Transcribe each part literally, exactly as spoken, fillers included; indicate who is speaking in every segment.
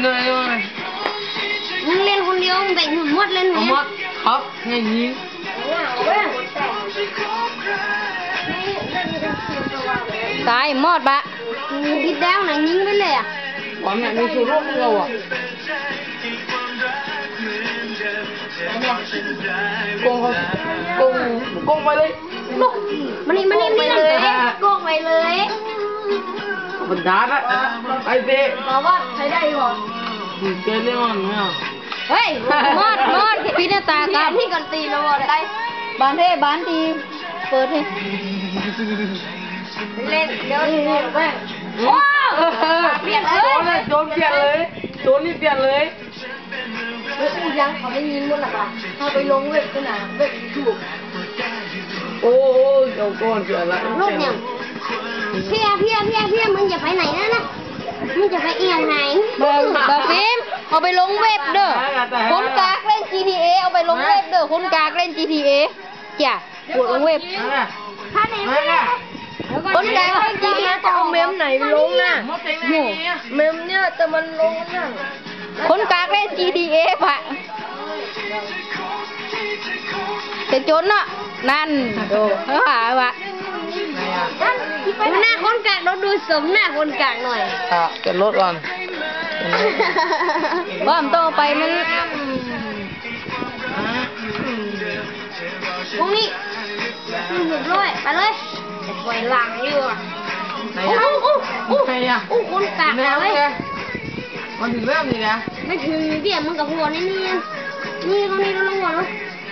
Speaker 1: เลยเลย
Speaker 2: มึงเล่นคนเดียวมึงแบ่งหุ่นมดเล่นไหม
Speaker 1: มดครับไงยิง
Speaker 3: ตายมอดบะ
Speaker 2: คิดแดงไหนยิงไปเลยอ่ะ
Speaker 1: บอลเนี่ยมีสูรุ่มเราอ่ะกงเขากงกงไปเลย
Speaker 2: มันนี่มันนี่ไม่เลยกงไปเลย
Speaker 1: บรรดาละไอ้เต้
Speaker 2: บอกว่าใช้ได้หรอ
Speaker 1: เกลียดมันเนี่ย
Speaker 3: เฮ้ยมอดมอดพี่หน้าตากับ
Speaker 2: ที่กันตีเราบอกได้
Speaker 3: บ้านเท่บ้านตีเปิดให้
Speaker 2: เล่นเดี๋ยวนี่แม่โอ้เปลี่ยนเลย
Speaker 1: โดนเปลี่ยนเลยโดนนี่เปลี่ยนเลย
Speaker 2: เฮ้ยกูยังเขาไม่ยิงมันหรอกเขาไปลงเว็บกันนะเว็บถูก
Speaker 1: โอ้ยเจ้าก้อนเสียละ
Speaker 2: ลูกเนี่ยเพี้ยเพี้ยเพี้ยเพี้ยมึงจะไปไหนนะนะมึงจะไปเอียงไหน
Speaker 3: บาบาฟิล์มเอาไปลงเว็บเด้อคนกากเล่น จี ที เอ เอาไปลงเว็บเด้อคนกากเล่น จี ที เอ จ้ะปวดลงเว็บ
Speaker 2: ถ้าไหน
Speaker 3: คนกากเล่น จี ที เอ
Speaker 2: จะเอาเมมไหนลงน่ะเมมเนี่ยแต่มันลงน่ะ
Speaker 3: คนกากเล่น จี ที เอ ปะจะจนเนาะนั่นดูเขาหาวะ
Speaker 2: หน้าคนกากเราดูสมหน้าคนกากหน่อย
Speaker 1: อ่ะเก็บรถก่อน
Speaker 3: บ้ามต้องไปมัน
Speaker 2: พรุ่งนี้หยุดด้วยไปเลยปล่อยหลังอยู่อ่ะโอ้โอ้โอ้โอ้คนกากเลย
Speaker 1: มันถึงเริ่มนี่นะ
Speaker 2: ไม่ถึงเดี๋ยวมึงกับหัวนี่นี่นี่ตรงนี้เราลงหัวแล้ว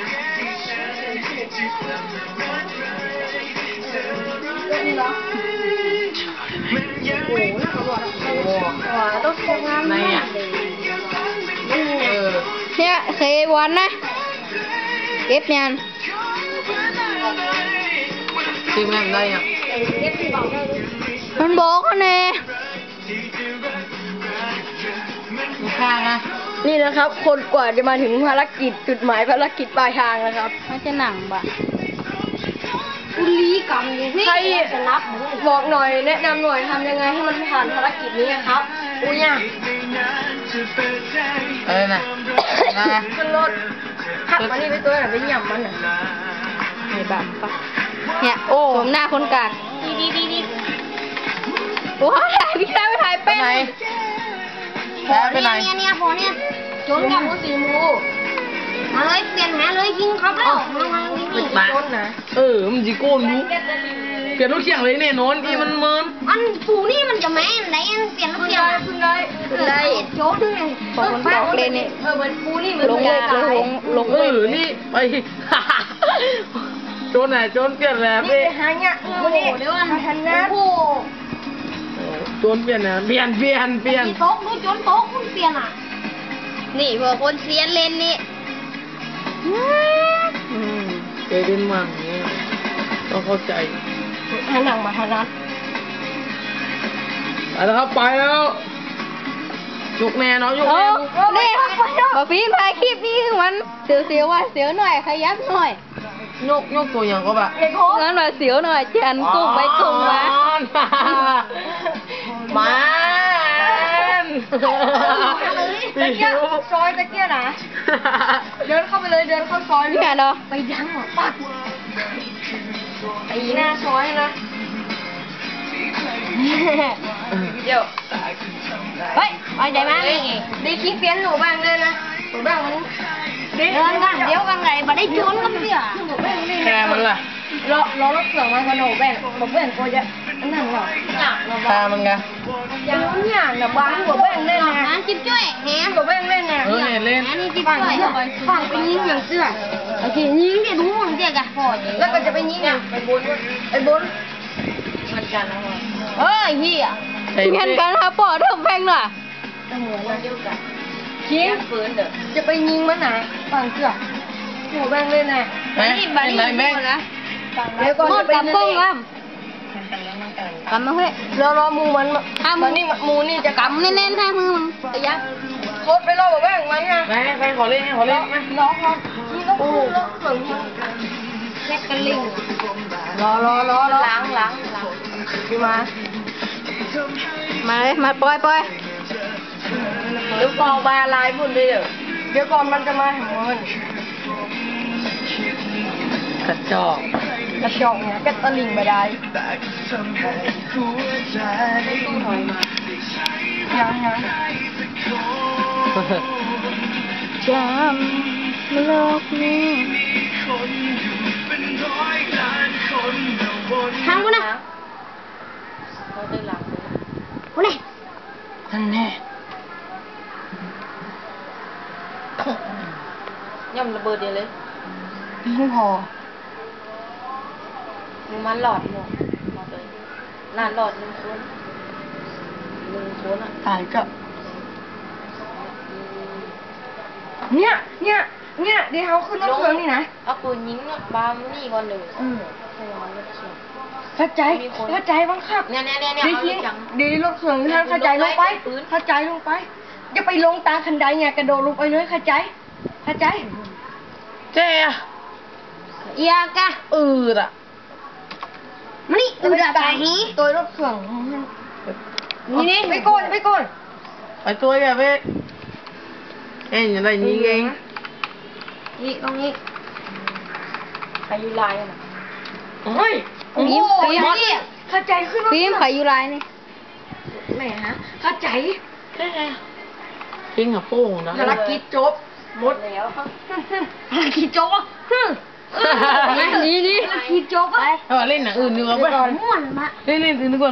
Speaker 2: โอ้โหน่าเขาบอกโอ้โหต้องทำงานไหนอ่ะ
Speaker 3: เนี่ยเควันนะเก็บเนี่ย
Speaker 1: ทีมงานได้อ่ะ
Speaker 3: มันบอกเขาเนี่ย
Speaker 1: ข้างอ่ะ
Speaker 2: นี่นะครับ คนกว่าจะมาถึงภารกิจจุดหมายภารกิจปลายทางนะครับ
Speaker 3: ไม่ใช่หนังบะ
Speaker 2: อุลีกรรมใครบอกหน่อยแนะนำหน่อยทำยังไงให้มันผ่านภารกิจนี้ครับอุ้ยเนี่ย
Speaker 1: เออน่ะ
Speaker 2: ขึ้นรถขับมานี่ไปตัวไหนไปหย่ำมันอ่ะ
Speaker 3: ไอ้บ้าปะเนี่ยโอ้ผมหน้าคนกาก
Speaker 2: ดีดีดีดี
Speaker 3: โอ้ถ่ายพี่ชายไปถ่ายเป็น
Speaker 1: แพ้ไปไหน
Speaker 2: เนี่ยเนี่ยพอเนี่ยจนกับมือสีมูมาเลยเปลี่ยนหาเลยยิงครับแล้วมามายิงนี่จนนะ
Speaker 1: เออมันจีโก้รู้เปลี่ยนรถเขียงเลยเนี่ยนอนที่มันเมิน
Speaker 2: อันปูนี่มันจะแม่ไหนเปลี่ยนรถเขียงขึ้นได้ขึ้นได้โจนเลย
Speaker 3: ของมันบอกเลยนี่
Speaker 2: เออเหมือนปูนี่เหมือน
Speaker 3: ลงเว็บลงลงเว็บ
Speaker 1: นี่ไปโจนไหนโจนเปลี่ยนแล้ว
Speaker 2: นี่ไปหาเนี่ยโอ้โหเดี๋ยวมันทันนะโอ้
Speaker 1: โจนเปลี่ยนนะเปลี่ยนเปลี่ยนเปลี่ยน
Speaker 2: โต๊ะดูโจนโต๊ะคุณเปลี่ยนอ่ะ
Speaker 3: นี่พวกคนเสียเล่นนี่
Speaker 1: เคยเล่นมั่งเนี่ยต้องเข้าใจ
Speaker 2: ให้หนังมาทานัด
Speaker 1: ไปแล้วครับไปแล้วยกแน่เนาะยกแน่
Speaker 3: นี่มาฟีนถ่ายคลิปนี้มันเสียวเสียวว่าเสียวหน่อยขยับหน่อย
Speaker 1: ยกยกตัวอย่างก็แบบ
Speaker 3: งั้นมาเสียวหน่อยจันกุ้งไปกุ้งมา
Speaker 1: มา
Speaker 2: ตะเกียบซอยตะเกียบนะเดินเข้าไปเลยเดินเข้าซอย
Speaker 3: เนี่ยเนาะ
Speaker 2: ไปยังหรอปักตีหน้าซอยนะเดี๋ยวเฮ้ยไปไหนมาดีคิดเปลี่ยนหนูบ้างเลยนะหนูบ้างมันเดินกันเดี๋ยวกันไหนมาได้ชนกันเสีย
Speaker 1: แค่มันล่ะ
Speaker 2: รอรอรถเสือมาขนมแบ่งหนูแบ่งก็จะนั่นหรอ
Speaker 1: แค่มันไง
Speaker 2: ยังเนี่ยหนูบ้านหนูแบ่งเล่นไงจิ๊บจ้วยแหมหนูแบ่งเล่นไง
Speaker 1: เออเล่น
Speaker 2: นี่จิ๊บจ้วยฝั่งไปยิงอย่างเสื้อโอเคยิงเดี๋ยวดูมันเดี๋ยวกันพอแล้วก็จะไปยิงไปบนไปบนเหมือนกันนะเฮ้ยเฮีย
Speaker 3: เหมือนกันครับปอเริ่มแพงหน่อย
Speaker 2: เหมือนกันเดียวกันยิงปืนเด้อจะไปยิงมันนะฝั่งเสื้อหนูแบ่งเล่นไง
Speaker 1: นี่บ้านนี่แบ่งนะ
Speaker 2: เดี๋ยวก่อนจะไป
Speaker 3: กำอ่ะกำมาเฮ้ย
Speaker 2: รอรอมูมันมันนี่มูนี่จะ
Speaker 3: กำแน่นๆให้มือมึง
Speaker 2: ไอ้ยักษ์โคตรไปรอแบบแบ่งมันไง
Speaker 1: ไปไปขอเล่นขอเล่นไหม
Speaker 2: น้องน้องนี่ต้องพูดแล้วเขินแค่กันลิงรอรอรอล้างล้างล้างพี่มา
Speaker 3: มาเลยมาปล่อยปล่อย
Speaker 2: เดี๋ยวกองบาลายพุ่นเลยเดี๋ยวเดี๋ยวก่อนมันจะมาหามัน
Speaker 1: กระจอก
Speaker 2: กระชอกเนี่ยก็ตะลิงไปได้ยังยัง
Speaker 3: จำโลกนี้ทางกูนะเขาได้หลังกูนี่
Speaker 2: นั่นแน่
Speaker 3: ย่ำระเบิดเดียวเลย
Speaker 2: พี่พอ
Speaker 3: มึงมันหลอดหมดหลอดเลยนานหลอดหนึ่งคนหนึ่งคนอ่ะ
Speaker 2: ตายก็เนี่ยเนี่ยเนี่ยเดี๋ยวเขาขึ้นรถเครื่องนี่นะ
Speaker 3: เอาปืนยิงบามนี่ก่อนหนึ่ง
Speaker 2: อืม
Speaker 3: ใช่ไหมรถเขียว
Speaker 2: เข้าใจเข้าใจบ้างครับ
Speaker 3: เนี่ยเนี่ยเนี่ยเนี่ย
Speaker 2: เดี๋ยว
Speaker 3: เอา
Speaker 2: ที
Speaker 3: เลยจัง
Speaker 2: เดี๋ยวรถเครื่องท่านเข้าใจลงไปเข้าใจลงไปอย่าไปลงตาคันใดเนี่ยกระโดดลงไปเลยเข้าใจเข้าใจ
Speaker 1: เจ๊อะ
Speaker 3: เอียกะ
Speaker 1: อืดอ่ะ
Speaker 2: มานี่อืดตาฮีตัวรถเครื่องนี่นี่ไปโกนไปโกน
Speaker 1: ไปตัวอย่าไปเอ็งอย่างไรยิงเอง
Speaker 2: นี่ตรงนี้
Speaker 3: อายุลายอ่ะ
Speaker 1: เฮ้ย
Speaker 2: โอ้โหอย่างนี้เข้าใจขึ้นรถ
Speaker 3: ฟิล์มไขยูไรนี่
Speaker 2: แหมฮะเข้าใจ
Speaker 1: ทิ้งกับโป้งนะ
Speaker 2: ภารกิจจบหมด
Speaker 3: แล้วครับ
Speaker 2: ภารกิจจบอ่ะฮึ่ม
Speaker 3: นี่นี่
Speaker 2: ภารกิจจบอ่ะ
Speaker 1: เออเล่นหนังอื่นดีกว่าไป
Speaker 2: ม่วนมา
Speaker 1: เล่นเล่นอื่นดีกว่า